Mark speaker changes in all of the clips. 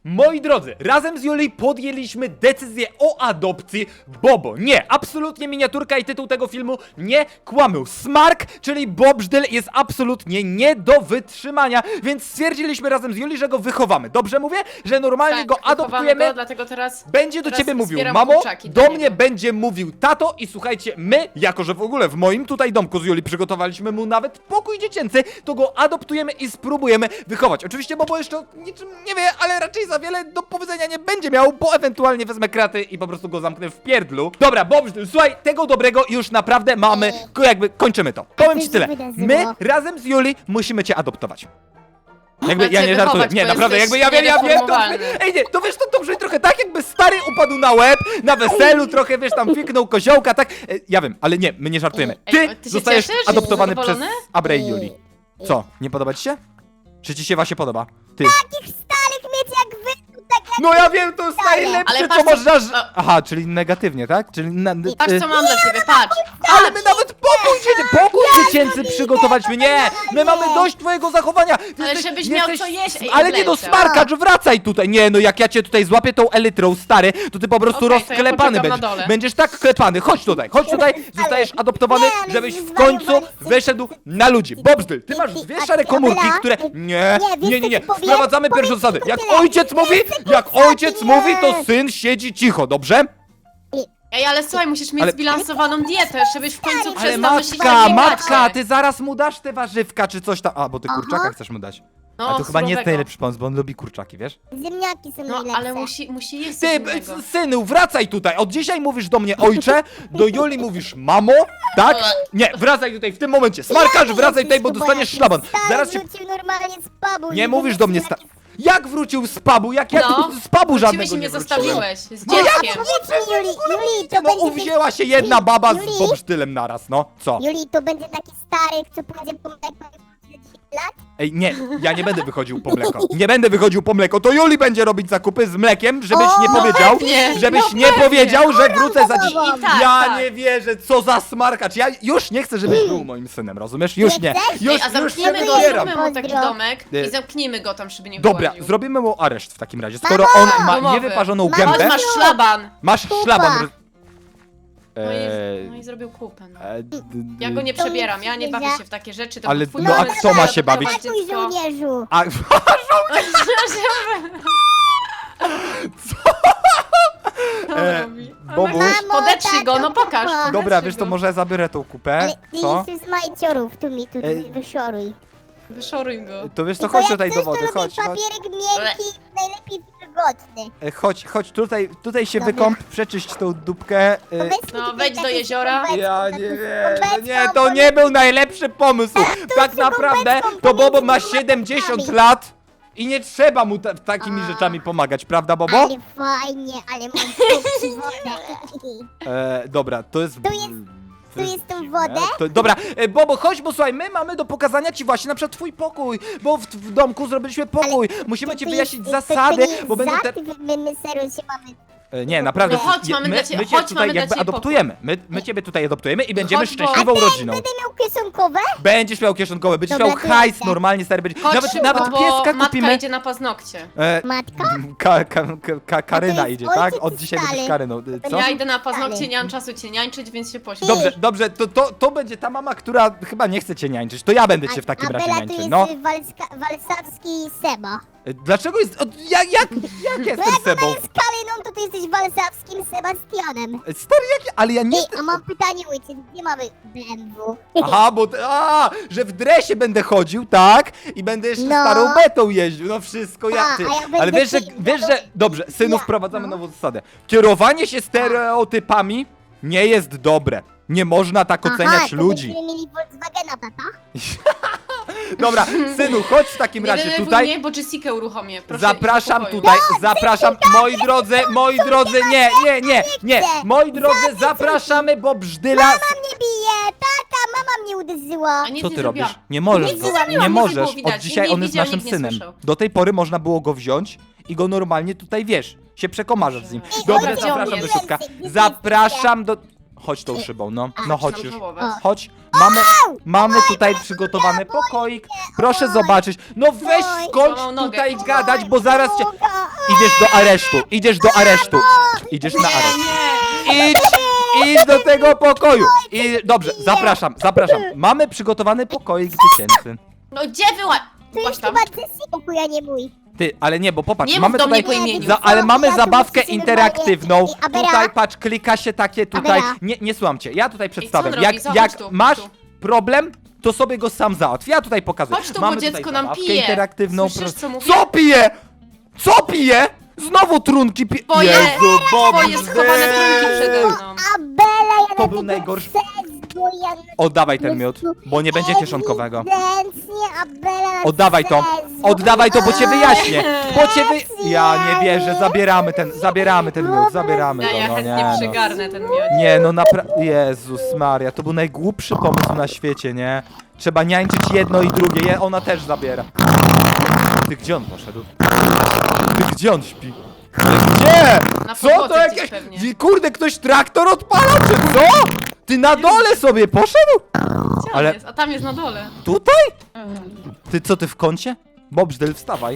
Speaker 1: Moi drodzy, razem z Julii podjęliśmy decyzję o adopcji Bobo. Nie, absolutnie miniaturka i tytuł tego filmu nie kłamią. Smark, czyli Bobżdyl, jest absolutnie nie do wytrzymania, więc stwierdziliśmy razem z Julii, że go wychowamy. Dobrze mówię? Że normalnie go adoptujemy.
Speaker 2: Go, dlatego
Speaker 1: Będzie do
Speaker 2: teraz
Speaker 1: ciebie mówił
Speaker 2: zbieram
Speaker 1: mamo,
Speaker 2: kurczaki
Speaker 1: do
Speaker 2: dla
Speaker 1: mnie
Speaker 2: niego.
Speaker 1: będzie mówił tato i słuchajcie, my, jako że w ogóle w moim tutaj domku z Julii przygotowaliśmy mu nawet pokój dziecięcy, to go adoptujemy i spróbujemy wychować. Oczywiście Bobo jeszcze o niczym nie wie, ale raczej za wiele do powiedzenia nie będzie miał, bo ewentualnie wezmę kraty i po prostu go zamknę w pierdlu. Dobra, Bobżdyl, słuchaj, tego dobrego już naprawdę mamy, jakby kończymy to. Powiem ci tyle, my razem z Julii musimy cię adoptować. Jakby ja nie żartuję, nie, naprawdę, jakby ja wiem, ej nie, to wiesz, to brzmi trochę tak, jakby stary upadł na łeb, na weselu, trochę, wiesz, tam fiknął koziołka, tak, ja wiem, ale nie, my nie żartujemy.
Speaker 2: Ej,
Speaker 1: Ty
Speaker 2: ty się
Speaker 1: zostajesz
Speaker 2: cieszysz?
Speaker 1: adoptowany
Speaker 2: Jesteś
Speaker 1: przez
Speaker 2: zadowolony?
Speaker 1: Abrę i Julii. Co, nie podoba ci się? Czy ci się właśnie podoba? Ty.
Speaker 3: Takich starych mieć jak wy, tak jak...
Speaker 1: No ja wiem, to jest najlepsze,
Speaker 2: Ale
Speaker 1: co
Speaker 2: patrz,
Speaker 1: można...
Speaker 2: co-
Speaker 1: Aha, czyli negatywnie, tak? Czyli
Speaker 2: Patrz co mam dla ciebie, patrz!
Speaker 1: ale my nawet pokój dziecięcy przygotowaliśmy, nie! My mamy dość twojego zachowania! Ty
Speaker 2: Ale żebyś miał co jeść, ej,
Speaker 1: ale nie do
Speaker 2: Ewelcia.
Speaker 1: smarkacz, wracaj tutaj! Nie, no jak ja cię tutaj złapię tą elytrą, stary, to ty po prostu
Speaker 2: Okej, to ja
Speaker 1: rozklepany
Speaker 2: poczekam na
Speaker 1: będziesz.
Speaker 2: dole.
Speaker 1: Będziesz tak klepany, chodź tutaj, zostajesz adoptowany,
Speaker 3: Nie, ale
Speaker 1: żebyś w
Speaker 3: zwariowali
Speaker 1: końcu
Speaker 3: jesteś.
Speaker 1: wyszedł na ludzi. Bobżdyl, ty masz dwie szare komórki, które... Nie,
Speaker 3: wiesz, co ci powiem?
Speaker 1: sprowadzamy pierwsze
Speaker 3: Powiem ci
Speaker 1: zasady.
Speaker 3: tylko
Speaker 1: Jak
Speaker 3: tyle.
Speaker 1: ojciec mówi, jak
Speaker 3: zasady,
Speaker 1: ojciec
Speaker 3: nie.
Speaker 1: mówi, to syn siedzi cicho, dobrze?
Speaker 2: Ej, ale słuchaj, musisz mieć
Speaker 1: Ale-
Speaker 2: zbilansowaną dietę, żebyś w końcu
Speaker 1: Ale
Speaker 2: przestał myśleć
Speaker 1: matka,
Speaker 2: o
Speaker 1: matka, ty zaraz mu dasz te warzywka czy coś tam. A, bo ty
Speaker 3: Aha.
Speaker 1: kurczaka chcesz mu dać.
Speaker 2: No,
Speaker 1: A to chyba nie jest
Speaker 2: surowego.
Speaker 1: najlepszy pomysł, bo on lubi kurczaki, wiesz?
Speaker 3: Ziemniaki są
Speaker 2: No,
Speaker 3: najlepsze.
Speaker 2: ale musi jeść
Speaker 1: Ty,
Speaker 2: coś innego.
Speaker 1: synu, wracaj tutaj. Od dzisiaj mówisz do mnie ojcze, do Joli mówisz mamo, tak? Nie, wracaj tutaj w tym momencie. Smarkacz, wracaj tutaj, bo dostaniesz szlaban. Zaraz się...
Speaker 3: wrócił normalnie z pubu.
Speaker 1: Nie mówisz do mnie Jak wrócił z pubu? Jak
Speaker 2: No,
Speaker 1: z pubu żadnego
Speaker 2: Wróciłeś i
Speaker 1: nie
Speaker 2: mnie
Speaker 1: wróciłem.
Speaker 2: zostawiłeś z
Speaker 1: No jak
Speaker 2: dzieckiem.
Speaker 3: Powiedz mi, Juli, to
Speaker 1: No
Speaker 3: będzie...
Speaker 1: uwzięła się jedna baba z
Speaker 3: Juli?
Speaker 1: bobsztylem naraz, no. Co?
Speaker 3: Juli, to będzie taki stary, co pójdzie po mleko i 10 lat?
Speaker 1: Ej, nie, ja nie będę wychodził po mleko. Nie będę wychodził po mleko. To Juli będzie robić zakupy z mlekiem, żebyś
Speaker 3: O,
Speaker 1: nie
Speaker 3: no
Speaker 1: powiedział,
Speaker 2: pewnie,
Speaker 1: żebyś
Speaker 2: no
Speaker 1: nie
Speaker 2: pewnie.
Speaker 1: powiedział, że wrócę za dziś.
Speaker 3: I
Speaker 2: tak,
Speaker 1: Ja
Speaker 2: tak.
Speaker 1: nie wierzę, co za smarkacz. Ja już nie chcę, żebyś był moim synem, rozumiesz? Już nie.
Speaker 3: chcesz?
Speaker 1: Już,
Speaker 2: Ej, a
Speaker 1: już
Speaker 2: zamknijmy
Speaker 1: się
Speaker 2: go,
Speaker 1: wybieram.
Speaker 2: zróbmy mu taki
Speaker 3: Pozdro.
Speaker 2: domek
Speaker 1: Nie.
Speaker 2: i zamknijmy go tam, żeby nie
Speaker 1: Dobra,
Speaker 2: wyłaził.
Speaker 1: zrobimy mu areszt w takim razie. Skoro
Speaker 3: Mamo!
Speaker 1: on ma
Speaker 2: Domowy.
Speaker 1: niewyparzoną
Speaker 3: Mamo,
Speaker 1: gębę,
Speaker 2: Chodź, masz szlaban!
Speaker 1: masz
Speaker 3: Kupa.
Speaker 1: szlaban.
Speaker 2: No i zrobił kupę. No.
Speaker 1: Ja
Speaker 2: Ja go nie
Speaker 3: To
Speaker 2: przebieram,
Speaker 3: nic
Speaker 2: ja nie
Speaker 3: nie
Speaker 2: bawię
Speaker 3: za-
Speaker 2: się w takie rzeczy, to
Speaker 1: Ale
Speaker 2: był twój
Speaker 1: no, a
Speaker 2: pomysł,
Speaker 1: kto ma
Speaker 2: żeby
Speaker 1: się bawić?
Speaker 2: adoptować
Speaker 3: Ratuj,
Speaker 2: dziecko.
Speaker 3: żołnierzu!
Speaker 1: A,
Speaker 2: Co on robi?
Speaker 1: Bobuś?
Speaker 3: Mamo,
Speaker 2: Podetrzyj go,
Speaker 3: tato,
Speaker 2: no pokaż.
Speaker 3: papa.
Speaker 1: dobra,
Speaker 2: Podetrzyj
Speaker 1: wiesz, to
Speaker 2: go.
Speaker 1: może zabiorę tą kupę.
Speaker 3: Ale ty
Speaker 1: Co?
Speaker 3: jesteś z majciorów, tu mi wyszoruj.
Speaker 2: Wyszoruj go.
Speaker 1: To wiesz, to
Speaker 3: Tylko
Speaker 1: chodź
Speaker 3: jak
Speaker 1: tutaj
Speaker 3: coś,
Speaker 1: do
Speaker 3: to
Speaker 1: wody,
Speaker 3: lubię
Speaker 1: chodź, chodź.
Speaker 3: papierek miękki, najlepiej wilgotny.
Speaker 1: Chodź, tutaj się
Speaker 3: Dobra.
Speaker 1: wykąp, przeczyść tą dupkę.
Speaker 3: Powiedz mi
Speaker 2: No,
Speaker 3: tylko
Speaker 2: wejdź do
Speaker 3: taką
Speaker 2: jeziora.
Speaker 3: skorupeczką,
Speaker 1: Ja
Speaker 3: taką
Speaker 1: nie wiem,
Speaker 3: skorupeczką,
Speaker 1: nie, to nie był najlepszy pomysł. Tak naprawdę to Bobo ma 70 lat i nie trzeba mu takimi rzeczami pomagać, prawda Bobo?
Speaker 3: Ale fajnie, ale mam tu wodę.
Speaker 1: Dobra, to jest...
Speaker 3: Tu jest tą wodę?
Speaker 1: Dobra, Bobo, chodź, bo słuchaj, my mamy do pokazania ci właśnie na przykład twój pokój, bo w domku zrobiliśmy pokój. Musimy ci wyjaśnić zasady, bo będą te...
Speaker 3: My serio się mamy...
Speaker 1: Nie, naprawdę,
Speaker 2: No chodź, mamy dla ciebie-
Speaker 1: my cię
Speaker 2: chodź,
Speaker 1: tutaj
Speaker 2: mamy dla
Speaker 1: jakby
Speaker 2: ciebie
Speaker 1: adoptujemy. My ciebie tutaj adoptujemy i będziemy
Speaker 2: Chodź, bo-
Speaker 1: szczęśliwą rodziną.
Speaker 3: Będę miał kieszonkowe?
Speaker 1: Będziesz miał kieszonkowe, będziesz
Speaker 3: Dobra,
Speaker 1: miał
Speaker 3: to
Speaker 1: hajs
Speaker 3: jadę.
Speaker 1: normalnie, stary, będzie...
Speaker 2: Chodź
Speaker 1: Nawet,
Speaker 2: szybko,
Speaker 1: nawet
Speaker 2: bo
Speaker 1: pieska
Speaker 2: matka
Speaker 1: kupimy.
Speaker 2: idzie na paznokcie.
Speaker 1: Karyna
Speaker 3: A to jest
Speaker 1: idzie, tak?
Speaker 3: ojciec
Speaker 1: Od
Speaker 3: czy
Speaker 1: dzisiaj będziesz
Speaker 3: stary?
Speaker 1: Karyną. Co?
Speaker 2: Ja idę na paznokcie,
Speaker 3: Dalej.
Speaker 2: nie mam czasu cię niańczyć, więc się pośpiesz.
Speaker 1: Dobrze, to będzie ta mama, która chyba nie chce cię niańczyć. To ja będę cię w takim razie
Speaker 3: Bela to
Speaker 1: niańczył,
Speaker 3: jest
Speaker 1: no.
Speaker 3: walsawski Seba.
Speaker 1: Dlaczego jest... Jak jestem Sebą?
Speaker 3: Z Karyną to ty jesteś walsawskim Sebastianem.
Speaker 1: Stary, ale ja nie...
Speaker 3: Ej, a mam pytanie, ojciec, gdzie mamy BMW?
Speaker 1: Aha, że w dresie będę chodził, tak? I będę jeszcze
Speaker 3: No.
Speaker 1: starą betą jeździł, no wszystko
Speaker 3: A,
Speaker 1: jak ty.
Speaker 3: a ja będę
Speaker 1: Ale wiesz, że... Dobrze, synu,
Speaker 3: Ja,
Speaker 1: wprowadzamy
Speaker 3: no.
Speaker 1: nową zasadę. Kierowanie się stereotypami nie jest dobre. Nie można tak oceniać
Speaker 3: to
Speaker 1: ludzi.
Speaker 3: będziemy mieli Volkswagena, tata?
Speaker 1: Dobra, synu, chodź w takim
Speaker 2: Nie
Speaker 1: razie
Speaker 2: denerwuj
Speaker 1: tutaj.
Speaker 2: mnie, bo Jessica uruchomię. Proszę,
Speaker 1: Zapraszam
Speaker 2: idź do pokoju.
Speaker 1: tutaj, zapraszam, moi drodzy, nie, moi drodzy, zapraszamy, bo Brzdyla...
Speaker 3: Mama mnie bije, tata, mama mnie uderzyła.
Speaker 2: A nic
Speaker 1: Co
Speaker 2: nie
Speaker 1: ty
Speaker 2: zrobiła.
Speaker 1: robisz? Nie możesz
Speaker 2: Nic
Speaker 1: go,
Speaker 2: nie zrobiłam,
Speaker 1: nie
Speaker 2: nie
Speaker 1: możesz.
Speaker 2: było widać.
Speaker 1: Od dzisiaj
Speaker 2: Nikt
Speaker 1: on
Speaker 2: nie
Speaker 1: jest
Speaker 2: widział,
Speaker 1: naszym
Speaker 2: nikt nie
Speaker 1: synem.
Speaker 2: słyszał.
Speaker 1: Do tej pory można było go wziąć i go normalnie tutaj, wiesz, się przekomarzasz z nim.
Speaker 2: Ej,
Speaker 1: Dobrze,
Speaker 2: ale gdzie on
Speaker 1: zapraszam do
Speaker 2: jest?
Speaker 1: środka.
Speaker 3: Gdzie ty
Speaker 1: Zapraszam do... Chodź tą szybą, no. No chodź
Speaker 2: Zaczynam
Speaker 1: już.
Speaker 2: żałować.
Speaker 1: Chodź. Mamy tutaj przygotowany pokoik. Proszę zobaczyć. No weź skończ
Speaker 2: Złamał nogę.
Speaker 1: tutaj gadać, bo zaraz cię... Idziesz do aresztu, idziesz do aresztu. Idziesz na areszt.
Speaker 2: Nie.
Speaker 1: Idź do tego pokoju. I dobrze, zapraszam. Mamy przygotowany pokoik dziecięcy.
Speaker 2: No gdzie była?
Speaker 3: To
Speaker 2: Chodź
Speaker 3: jest
Speaker 2: tam.
Speaker 3: chyba Ceci pokój, a nie mój.
Speaker 1: Ty, ale nie, bo popatrz,
Speaker 2: Nie mów
Speaker 1: mamy
Speaker 2: do mnie
Speaker 1: tutaj...
Speaker 2: po imieniu.
Speaker 1: Ale mamy
Speaker 3: Ja tu
Speaker 1: zabawkę
Speaker 3: muszę się
Speaker 1: interaktywną.
Speaker 3: normalnie- Abera.
Speaker 1: Tutaj, patrz, klika się takie tutaj.
Speaker 3: Abera.
Speaker 1: Nie słucham cię, ja tutaj przedstawiam.
Speaker 2: co on robi? Zobacz
Speaker 1: Jak
Speaker 2: tu,
Speaker 1: masz
Speaker 2: tu.
Speaker 1: problem, to sobie go sam załatw. Ja tutaj pokazuję.
Speaker 2: Chodź tu, bo
Speaker 1: mamy tutaj
Speaker 2: dziecko nam
Speaker 1: zabawkę
Speaker 2: pije.
Speaker 1: interaktywną.
Speaker 2: Słyszysz, co mówię?
Speaker 1: Co pije? Co pije? Znowu trunki pije.
Speaker 2: Twoje-
Speaker 1: Bob,
Speaker 2: Twoje schowane trunki przede mną.
Speaker 3: Abela, ja
Speaker 1: To
Speaker 3: na
Speaker 1: był
Speaker 3: tego
Speaker 1: najgorszy-
Speaker 3: bo ja...
Speaker 1: Oddawaj ten miód, bo nie będzie kieszonkowego.
Speaker 3: Ewidentnie Abela na
Speaker 1: Oddawaj to,
Speaker 3: sercu.
Speaker 1: oddawaj to, bo cię wyjaśnię. Ja nie wierzę, zabieramy ten miód, zabieramy
Speaker 2: Ja
Speaker 1: go. No
Speaker 2: chętnie
Speaker 1: nie, no.
Speaker 2: przygarnę ten miód.
Speaker 1: Nie, no naprawdę. Jezus Maria, to był najgłupszy pomysł na świecie, nie? Trzeba niańczyć jedno i drugie, ona też zabiera. Ty gdzie on poszedł? Ty gdzie on śpi? Gdzie?
Speaker 2: Na
Speaker 1: Co
Speaker 2: podłodze
Speaker 1: to
Speaker 2: gdzieś
Speaker 1: jakieś...
Speaker 2: pewnie.
Speaker 1: Kurde, ktoś traktor odpala, czy co? Ty na dole sobie poszedł?
Speaker 2: Gdzie
Speaker 1: Ale-
Speaker 2: on jest? A tam jest na dole.
Speaker 1: Tutaj? Ty co, ty w kącie? Bobżdel, wstawaj.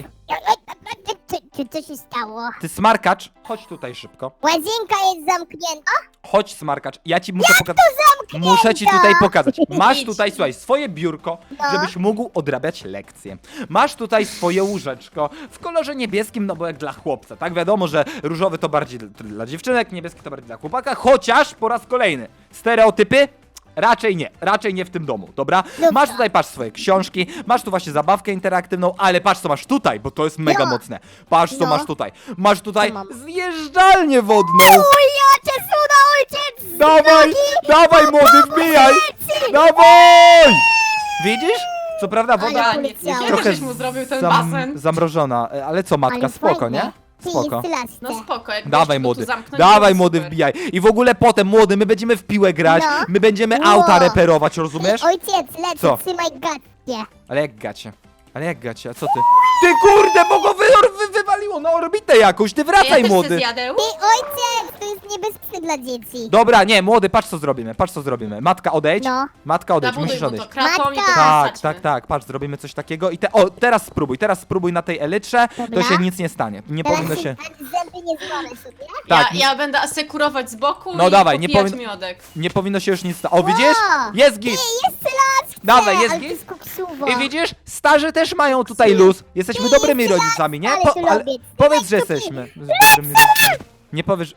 Speaker 3: Co się stało?
Speaker 1: Ty smarkacz, chodź tutaj szybko.
Speaker 3: Łazienka jest zamknięta?
Speaker 1: Chodź smarkacz, ja ci muszę pokazać. Muszę ci tutaj pokazać. Masz
Speaker 2: Idź.
Speaker 1: tutaj, słuchaj, swoje biurko, żebyś mógł odrabiać lekcje. Masz tutaj swoje łóżeczko w kolorze niebieskim, no bo jak dla chłopca, tak? Wiadomo, że różowy to bardziej dla dziewczynek, niebieski to bardziej dla chłopaka, chociaż po raz kolejny, stereotypy? Raczej nie w tym domu, dobra? Masz tutaj, patrz, swoje książki, masz tu właśnie zabawkę interaktywną, ale patrz co masz tutaj, bo to jest mega
Speaker 3: No.
Speaker 1: mocne. Patrz co
Speaker 3: No.
Speaker 1: masz tutaj. Masz tutaj
Speaker 3: Co mam?
Speaker 1: zjeżdżalnię wodną.
Speaker 3: Ujacie cuda, ojciec!
Speaker 1: Dawaj młody, wbijaj! Dawaj! Widzisz? Co prawda woda
Speaker 3: Ale
Speaker 2: Ja nie
Speaker 3: poleciało.
Speaker 2: wiem,
Speaker 1: trochę
Speaker 2: żeś mu zrobił ten basen.
Speaker 1: zamrożona, ale co matka,
Speaker 3: Ale
Speaker 1: spoko,
Speaker 3: fajne.
Speaker 1: nie?
Speaker 3: Ty,
Speaker 1: Spoko.
Speaker 3: jest
Speaker 2: No spoko, jak
Speaker 1: Dawaj
Speaker 2: gość go tu
Speaker 1: młody,
Speaker 2: zamknąć,
Speaker 1: dawaj
Speaker 2: to
Speaker 1: młody,
Speaker 2: super.
Speaker 1: wbijaj. I w ogóle potem młody, my będziemy w piłę grać,
Speaker 3: No.
Speaker 1: my będziemy
Speaker 3: No.
Speaker 1: auta reperować, rozumiesz?
Speaker 3: Ojciec, lecę,
Speaker 1: Co?
Speaker 3: trzymaj gadkę.
Speaker 1: Ale jak gacie? A co ty? Ty kurde, bo go wywaliło na orbitę jakąś, ty
Speaker 2: Ja
Speaker 1: wracaj
Speaker 2: też
Speaker 1: młody!
Speaker 2: chcę zjadeł.
Speaker 3: Ty, ojciec, to jest niebezpieczne dla dzieci.
Speaker 1: Dobra, nie, młody, patrz co zrobimy. Matka odejdź,
Speaker 3: No.
Speaker 1: matka odejdź,
Speaker 2: Zabuduj
Speaker 1: musisz
Speaker 2: mu
Speaker 1: odejść.
Speaker 2: to kratą i to
Speaker 3: Matka.
Speaker 2: zasadźmy.
Speaker 1: Tak, patrz, zrobimy coś takiego i teraz spróbuj na tej elytrze, to
Speaker 3: Dobra.
Speaker 1: się nic nie stanie, nie powinno
Speaker 3: Teraz
Speaker 1: się,
Speaker 3: zęby nie złamę sobie.
Speaker 1: tak,
Speaker 2: Ja będę asekurować z boku
Speaker 1: No
Speaker 2: i
Speaker 1: dawaj, nie
Speaker 2: popijać
Speaker 1: powin-
Speaker 2: miodek.
Speaker 1: nie powinno się już nic stać. O, widzisz?
Speaker 3: Wow.
Speaker 1: Jest git!
Speaker 3: Jest las!
Speaker 1: Dawaj, jest
Speaker 3: ale to
Speaker 1: git.
Speaker 3: jest koksuwo.
Speaker 1: I widzisz? Starzy też mają tutaj luz, jesteśmy dobrymi rodzicami, nie?
Speaker 3: ale to lubię.
Speaker 1: Powiedz, że jesteśmy dobrymi rodzicami. Nie powiesz...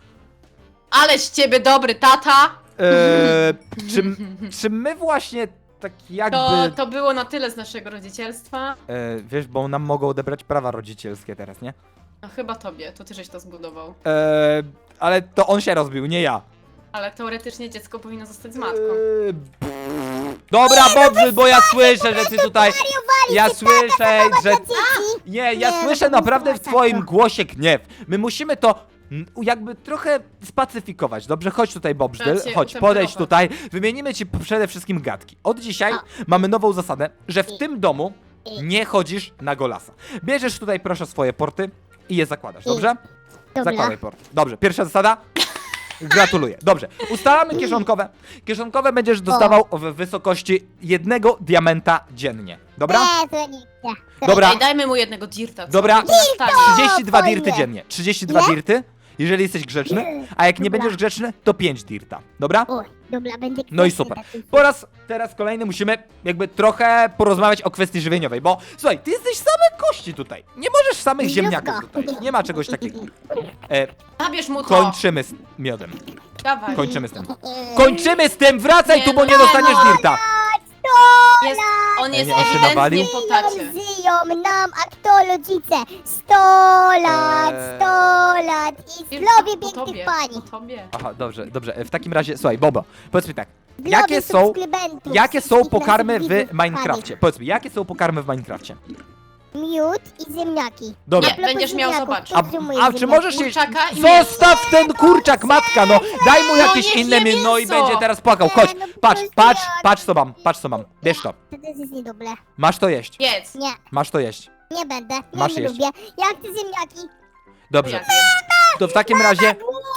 Speaker 2: Ale z ciebie dobry tata!
Speaker 1: Czy my właśnie tak jakby...
Speaker 2: To było na tyle z naszego rodzicielstwa.
Speaker 1: wiesz, bo nam mogą odebrać prawa rodzicielskie teraz, nie?
Speaker 2: No chyba tobie, to ty żeś to zbudował.
Speaker 1: Ale to on się rozbił, nie ja.
Speaker 2: Ale teoretycznie dziecko powinno zostać z matką.
Speaker 1: Dobra, Bobrzy, bo ja słyszę, że ty tutaj... Ja słyszę, że... Nie, ja
Speaker 3: Nie,
Speaker 1: słyszę
Speaker 3: to
Speaker 1: naprawdę w
Speaker 3: było
Speaker 1: twoim
Speaker 3: tak.
Speaker 1: głosie gniew. My musimy to jakby trochę spacyfikować, dobrze? Chodź tutaj, Bobżdyl,
Speaker 2: Trzeba cię
Speaker 1: chodź, podejdź
Speaker 2: utemperować.
Speaker 1: tutaj. Wymienimy ci przede wszystkim gadki. Od dzisiaj mamy nową zasadę, że w tym domu nie chodzisz na golasa. Bierzesz tutaj proszę swoje porty i je zakładasz, dobrze?
Speaker 3: Dobra.
Speaker 1: Zakładaj porty. Dobrze, pierwsza zasada. Gratuluję. Dobrze, ustalamy kieszonkowe. Kieszonkowe będziesz dostawał w wysokości 1 diamenta dziennie. Dobra?
Speaker 3: Nie, to nie chcę.
Speaker 1: Dobra.
Speaker 2: Ej, dajmy mu jednego dirta. co?
Speaker 1: Dobra.
Speaker 2: To nas stanie.
Speaker 1: 32
Speaker 3: fajnie.
Speaker 1: dirty dziennie. 32
Speaker 3: Ile?
Speaker 1: dirty, jeżeli jesteś grzeczny, a jak nie
Speaker 3: Dobra.
Speaker 1: będziesz grzeczny, to 5 dirta. Dobra?
Speaker 3: Oj, dobra, będę
Speaker 1: No i
Speaker 3: grzeczny
Speaker 1: super.
Speaker 3: taki.
Speaker 1: Teraz kolejny musimy jakby trochę porozmawiać o kwestii żywieniowej, bo słuchaj, ty jesteś same kości tutaj. Nie możesz samych
Speaker 3: Zdrówko.
Speaker 1: ziemniaków tutaj. Nie ma czegoś takiego.
Speaker 2: Zabierz mu to!
Speaker 1: Kończymy z miodem.
Speaker 2: Dawaj.
Speaker 1: Kończymy z tym. Kończymy z tym! Wracaj
Speaker 2: Nie,
Speaker 1: tu, bo
Speaker 2: no
Speaker 1: nie
Speaker 2: nie,
Speaker 1: dostaniesz
Speaker 2: no.
Speaker 1: dirta!
Speaker 2: Jest, on jest
Speaker 1: nie, on się nawalił?
Speaker 2: ewidentnie po tacie.
Speaker 3: Żyją nam, a kto rodzice? 100 lat, 100 lat i zdrowie
Speaker 2: Po tobie,
Speaker 3: pięknych pani.
Speaker 2: po tobie.
Speaker 1: Aha, dobrze. W takim razie, słuchaj, Bobo, powiedz mi tak.
Speaker 3: Zdrowie
Speaker 1: Jakie są,
Speaker 3: subskrybentów,
Speaker 1: jakie są
Speaker 3: wszystkich
Speaker 1: pokarmy
Speaker 3: naszych
Speaker 1: w
Speaker 3: widzów,
Speaker 1: Minecrafcie? Powiedz mi, jakie są pokarmy w Minecrafcie?
Speaker 3: pani. Miód i ziemniaki.
Speaker 1: Dobra.
Speaker 2: Nie, będziesz miał
Speaker 3: Ziemniaków,
Speaker 2: zobaczyć.
Speaker 3: podtrzymuję
Speaker 1: A czy
Speaker 3: ziemniaki.
Speaker 1: możesz jeść...
Speaker 2: Kurczaka i mięso.
Speaker 1: Zostaw ten kurczak, matka, no! Daj mu jakieś
Speaker 2: niech
Speaker 1: inne
Speaker 2: je
Speaker 1: mięso, no i
Speaker 2: mięso.
Speaker 1: będzie teraz płakał. Chodź,
Speaker 3: no
Speaker 1: patrz,
Speaker 3: proszę,
Speaker 1: patrz,
Speaker 3: ja-
Speaker 1: patrz co mam. Bierz to.
Speaker 3: To też jest niedobre.
Speaker 1: Masz to jeść.
Speaker 2: Jedz.
Speaker 3: Nie,
Speaker 1: Masz to jeść.
Speaker 3: nie będę. Ja
Speaker 1: Masz
Speaker 3: nie
Speaker 1: jeść.
Speaker 3: lubię. Ja chcę ziemniaki.
Speaker 1: Dobrze.
Speaker 2: Ja wiem.
Speaker 1: To w takim razie...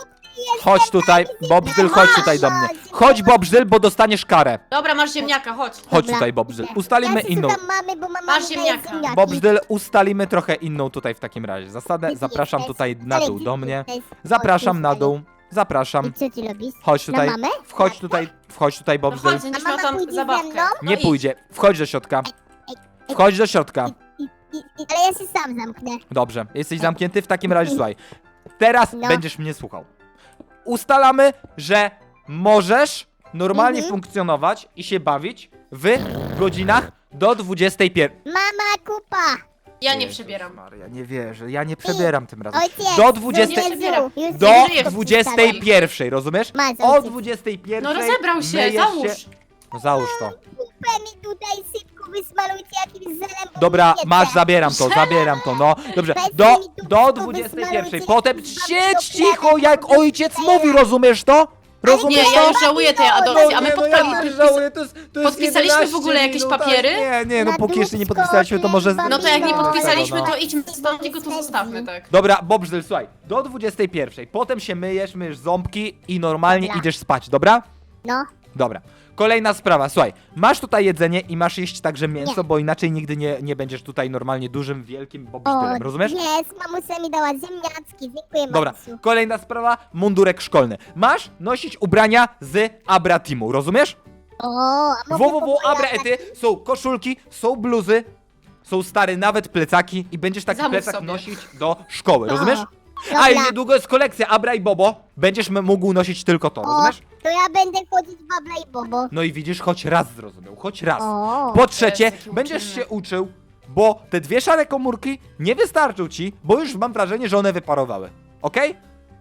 Speaker 1: Chodź tutaj, Bobżdyl, chodź tutaj do mnie. Chodź, Bobżdyl, bo dostaniesz karę.
Speaker 2: Dobra, masz ziemniaka, chodź.
Speaker 1: Chodź
Speaker 3: Dobra.
Speaker 1: tutaj, Bobżdyl. Ustalimy inną.
Speaker 3: Mamy, bo mama
Speaker 2: Masz
Speaker 3: mi daje
Speaker 2: ziemniaka.
Speaker 3: ziemniaki.
Speaker 1: Bobżdyl, ustalimy trochę inną tutaj w takim razie. Zasadę, zapraszam tutaj na dół do mnie. Zapraszam na dół. Zapraszam.
Speaker 3: I co ty robisz?
Speaker 1: Chodź tutaj.
Speaker 3: Na mamę?
Speaker 1: Wchodź tutaj,
Speaker 2: No
Speaker 1: Bobżdyl.
Speaker 2: chodź, będziesz
Speaker 3: A
Speaker 2: miał
Speaker 3: mama
Speaker 2: tam
Speaker 3: pójdzie ze
Speaker 2: zabawkę.
Speaker 3: mną?
Speaker 2: No
Speaker 1: Nie
Speaker 2: idź.
Speaker 1: pójdzie. Wchodź do środka. Wchodź do środka.
Speaker 3: Ale ja się sam zamknę.
Speaker 1: Dobrze, jesteś zamknięty? W takim razie słuchaj. Teraz
Speaker 3: No.
Speaker 1: będziesz mnie słuchał. Ustalamy, że możesz normalnie
Speaker 3: Mhm.
Speaker 1: funkcjonować i się bawić w godzinach do 21.
Speaker 3: Mama, kupa!
Speaker 2: Ja nie
Speaker 1: Jezus
Speaker 2: przebieram.
Speaker 1: Maria, nie wierzę, ja nie przebieram tym razem.
Speaker 3: Ojciec!
Speaker 1: Do 20
Speaker 3: Jezu, już
Speaker 1: Do
Speaker 2: nie żyję w
Speaker 1: 21, rozumiesz?
Speaker 3: Masz,
Speaker 1: O
Speaker 3: ojciec.
Speaker 1: 21.
Speaker 2: No rozebrał się,
Speaker 1: myjesz
Speaker 2: załóż.
Speaker 1: No załóż to.
Speaker 3: Kupę mi tutaj szybko wysmarujcie jakimś zelem, bo
Speaker 1: Dobra,
Speaker 3: mi nie
Speaker 1: masz,
Speaker 3: chce.
Speaker 1: zabieram to, no. Dobrze,
Speaker 3: Weź
Speaker 1: do,
Speaker 3: mi tu
Speaker 1: do
Speaker 3: wszystko
Speaker 1: 21.
Speaker 3: wysmarujcie,
Speaker 1: Potem
Speaker 3: jakieś
Speaker 1: siedź
Speaker 3: babki
Speaker 1: cicho, jak
Speaker 3: oplane,
Speaker 1: ojciec
Speaker 3: babki
Speaker 1: mówi, rozumiesz to? Rozumiesz
Speaker 2: Nie,
Speaker 1: to?
Speaker 2: ja już żałuję tej adopcji, a my
Speaker 1: no ja też żałuję, to jest
Speaker 2: podpisaliśmy
Speaker 1: 11
Speaker 2: w ogóle jakieś
Speaker 1: minut, tak?
Speaker 2: papiery?
Speaker 1: Nie, no
Speaker 3: Na
Speaker 1: póki jeszcze nie
Speaker 3: dupsko,
Speaker 1: podpisaliśmy, to może...
Speaker 3: chleba,
Speaker 2: No to jak nie
Speaker 3: No,
Speaker 2: podpisaliśmy,
Speaker 1: no.
Speaker 2: to idźmy stąd i go tu zostawmy, tak.
Speaker 1: Dobra, Bobżdyl, słuchaj, do 21. Potem się myjesz ząbki i normalnie
Speaker 3: Dobra.
Speaker 1: idziesz spać, dobra?
Speaker 3: No,
Speaker 1: Dobra. Kolejna sprawa, słuchaj, masz tutaj jedzenie i masz jeść także mięso,
Speaker 3: Nie.
Speaker 1: bo inaczej nigdy nie będziesz tutaj normalnie dużym, wielkim Bobżdylem, rozumiesz?
Speaker 3: Jest, mamusia mi dała ziemniaczki, dziękuję
Speaker 1: Dobra,
Speaker 3: mamusiu.
Speaker 1: kolejna sprawa, mundurek szkolny. Masz nosić ubrania z Abra Teamu, rozumiesz?
Speaker 3: O, a mogę
Speaker 1: www
Speaker 3: pokojować?
Speaker 1: Abraety, są koszulki, są bluzy, są stare nawet plecaki i będziesz taki
Speaker 2: Zamów
Speaker 1: plecak
Speaker 2: sobie.
Speaker 1: nosić do szkoły, rozumiesz?
Speaker 3: Dobra.
Speaker 1: A i niedługo jest kolekcja Abra i Bobo, będziesz mógł nosić tylko to,
Speaker 3: O,
Speaker 1: rozumiesz?
Speaker 3: to ja będę chodzić w babla i bobo.
Speaker 1: No i widzisz, choć raz zrozumiał, choć raz.
Speaker 3: O,
Speaker 1: Po trzecie,
Speaker 2: Jezu, jaki
Speaker 1: będziesz
Speaker 2: uczynny.
Speaker 1: się uczył, bo te dwie szare komórki nie wystarczą ci, bo już mam wrażenie, że one wyparowały. Okej?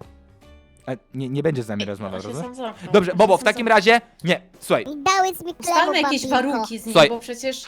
Speaker 1: Nie będzie z nami rozmawiał,
Speaker 2: Ja się
Speaker 1: rozumiesz?
Speaker 2: sam zamknę.
Speaker 1: Dobrze,
Speaker 2: Ja
Speaker 1: Bobo,
Speaker 2: się
Speaker 1: w
Speaker 2: sam
Speaker 1: takim
Speaker 2: zamknę.
Speaker 1: razie, nie, słuchaj,
Speaker 3: dałeś mi chleb,
Speaker 2: Ustalmy jakieś
Speaker 3: babinko.
Speaker 2: warunki z nim,
Speaker 1: Słuchaj.
Speaker 2: bo przecież...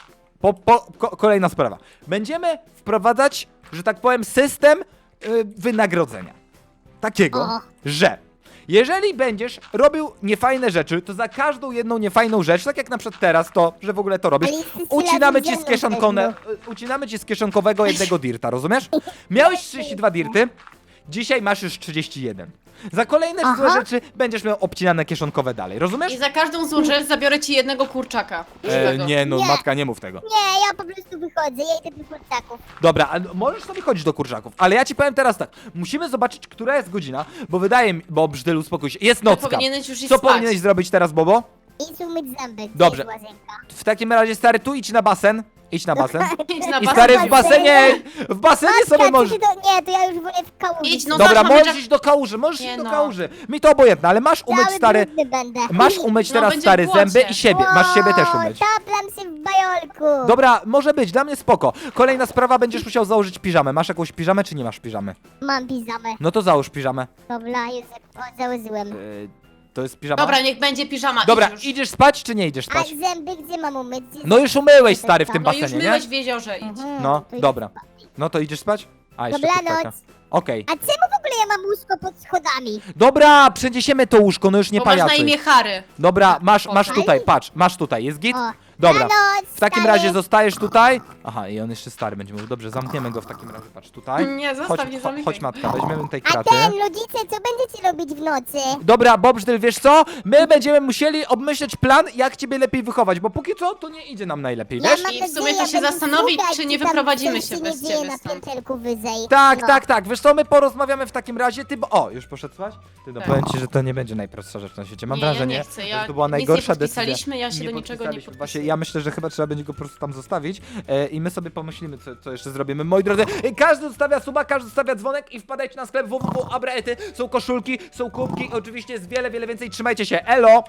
Speaker 1: kolejna sprawa. Będziemy wprowadzać, że tak powiem, system wynagrodzenia. Takiego,
Speaker 3: O.
Speaker 1: że jeżeli będziesz robił niefajne rzeczy, to za każdą jedną niefajną rzecz, tak jak na przykład teraz to, że w ogóle to robisz,
Speaker 3: Ale jesteś
Speaker 1: ucinamy ci
Speaker 3: razem
Speaker 1: z
Speaker 3: ze mną
Speaker 1: kieszonkone, ucinamy ci z kieszonkowego jednego dirta, rozumiesz? Miałeś 32 dirty, dzisiaj masz już 31. Za kolejne
Speaker 3: Aha.
Speaker 1: złe rzeczy będziesz miał obcinane kieszonkowe dalej, rozumiesz?
Speaker 2: I za każdą złą rzecz zabiorę ci jednego kurczaka. żywego.
Speaker 1: Nie, no
Speaker 3: Nie.
Speaker 1: matka, nie mów tego.
Speaker 3: Nie, ja po prostu wychodzę, ja idę do kurczaków.
Speaker 1: Dobra, a możesz sobie chodzić do kurczaków, ale ja ci powiem teraz tak. Musimy zobaczyć, która jest godzina, bo wydaje mi... Bo Brzdel, uspokój się. Jest nocka.
Speaker 2: Powinieneś już iść
Speaker 1: Co
Speaker 2: spać.
Speaker 1: powinieneś zrobić teraz, Bobo?
Speaker 3: Idź umyć zęby, gdzie
Speaker 1: Dobrze.
Speaker 3: jest łazienka?
Speaker 1: W takim razie, stary, tu idź na basen. Idź na basen.
Speaker 2: Idź na
Speaker 1: I
Speaker 2: basen.
Speaker 1: stary, w basenie... W basenie sobie
Speaker 3: Matka,
Speaker 1: możesz...
Speaker 3: czy ty to... Nie, to ja już wolę w kałuży.
Speaker 2: Idź, no
Speaker 1: Dobra,
Speaker 2: zobacz, mamy
Speaker 1: możesz
Speaker 2: jack-
Speaker 1: iść do kałuży, możesz
Speaker 2: Nie
Speaker 1: iść do
Speaker 2: no.
Speaker 1: kałuży. Mi to obojętne, ale masz umyć,
Speaker 3: Cały
Speaker 1: stary...
Speaker 3: brudny będę.
Speaker 1: Masz umyć
Speaker 2: No,
Speaker 1: teraz,
Speaker 2: będzie
Speaker 1: stary,
Speaker 2: w błocie.
Speaker 1: zęby i siebie. Masz siebie też umyć.
Speaker 3: Taplam się w bajolku.
Speaker 1: Dobra, może być, dla mnie spoko. Kolejna sprawa, będziesz musiał założyć piżamę. Masz jakąś piżamę, czy nie masz piżamy?
Speaker 3: Mam piżamę.
Speaker 1: No to załóż piżamę.
Speaker 3: Dobra, już założyłem.
Speaker 1: To jest piżama?
Speaker 2: Dobra, niech będzie piżama.
Speaker 1: Dobra,
Speaker 2: idź już.
Speaker 1: idziesz spać, czy nie idziesz
Speaker 3: A
Speaker 1: spać?
Speaker 3: zęby gdzie mam umyć? Gdzie
Speaker 1: No już umyłeś, stary, w tym
Speaker 2: No już
Speaker 1: basenie,
Speaker 2: myłeś
Speaker 1: nie?
Speaker 2: w jeziorze, idź.
Speaker 3: Mhm,
Speaker 1: No,
Speaker 3: to idę
Speaker 1: dobra.
Speaker 3: spać.
Speaker 1: No to idziesz spać? A, jeszcze
Speaker 3: Dobranoc.
Speaker 1: kurczaka. Okej.
Speaker 3: A czemu w ogóle ja mam łóżko pod schodami?
Speaker 1: Dobra, przeniesiemy to łóżko, no już nie
Speaker 2: Bo masz na
Speaker 1: pajacuj.
Speaker 2: imię Harry.
Speaker 1: Dobra, masz
Speaker 2: Okej.
Speaker 1: tutaj, patrz, masz tutaj, jest git?
Speaker 3: O,
Speaker 1: Dobra.
Speaker 3: dobranoc,
Speaker 1: W takim
Speaker 3: stary.
Speaker 1: razie zostajesz tutaj. Aha, i on jeszcze stary będzie mówił. Dobrze, zamkniemy go w takim razie, patrz tutaj.
Speaker 2: Nie, zostaw,
Speaker 1: chodź,
Speaker 2: nie zamykaj.
Speaker 1: chodź matka, weźmiemy tej
Speaker 3: A
Speaker 1: kraty.
Speaker 3: rodzice, co będziecie robić w nocy?
Speaker 1: Dobra, Bobżdyl, wiesz co? My będziemy musieli obmyśleć plan, jak ciebie lepiej wychować, bo póki co to nie idzie nam najlepiej,
Speaker 3: Ja
Speaker 1: wiesz?
Speaker 3: mam
Speaker 2: I w
Speaker 3: nadzieję,
Speaker 2: sumie to się
Speaker 3: będę
Speaker 2: zastanowić,
Speaker 3: słuchać,
Speaker 2: czy nie
Speaker 3: tam
Speaker 2: wyprowadzimy
Speaker 3: coś
Speaker 2: się
Speaker 3: nie
Speaker 2: bez
Speaker 3: dzieje
Speaker 2: ciebie
Speaker 3: na
Speaker 2: stąd.
Speaker 3: pięterku wyżej.
Speaker 1: Tak,
Speaker 3: No.
Speaker 1: tak, wiesz co, my porozmawiamy w takim razie, ty bo... O, już poszedł spać? Ty, no
Speaker 2: Tak.
Speaker 1: powiem ci, że to nie będzie najprostsza rzecz na świecie, mam
Speaker 2: Nie, ja
Speaker 1: wrażenie,
Speaker 2: nie chcę,
Speaker 1: że
Speaker 2: ja
Speaker 1: to była
Speaker 2: nic
Speaker 1: najgorsza
Speaker 2: nie
Speaker 1: decyzja.
Speaker 2: podpisaliśmy, ja się do niczego nie
Speaker 1: podpisaliśmy.
Speaker 2: podpisuję.
Speaker 1: Właśnie, ja myślę, że chyba trzeba będzie go po prostu tam zostawić i my sobie pomyślimy, co jeszcze zrobimy. Moi drodzy, każdy zostawia suba, każdy zostawia dzwonek i wpadajcie na sklep www.abraety. Są koszulki, są kubki, oczywiście jest wiele więcej, trzymajcie się, elo!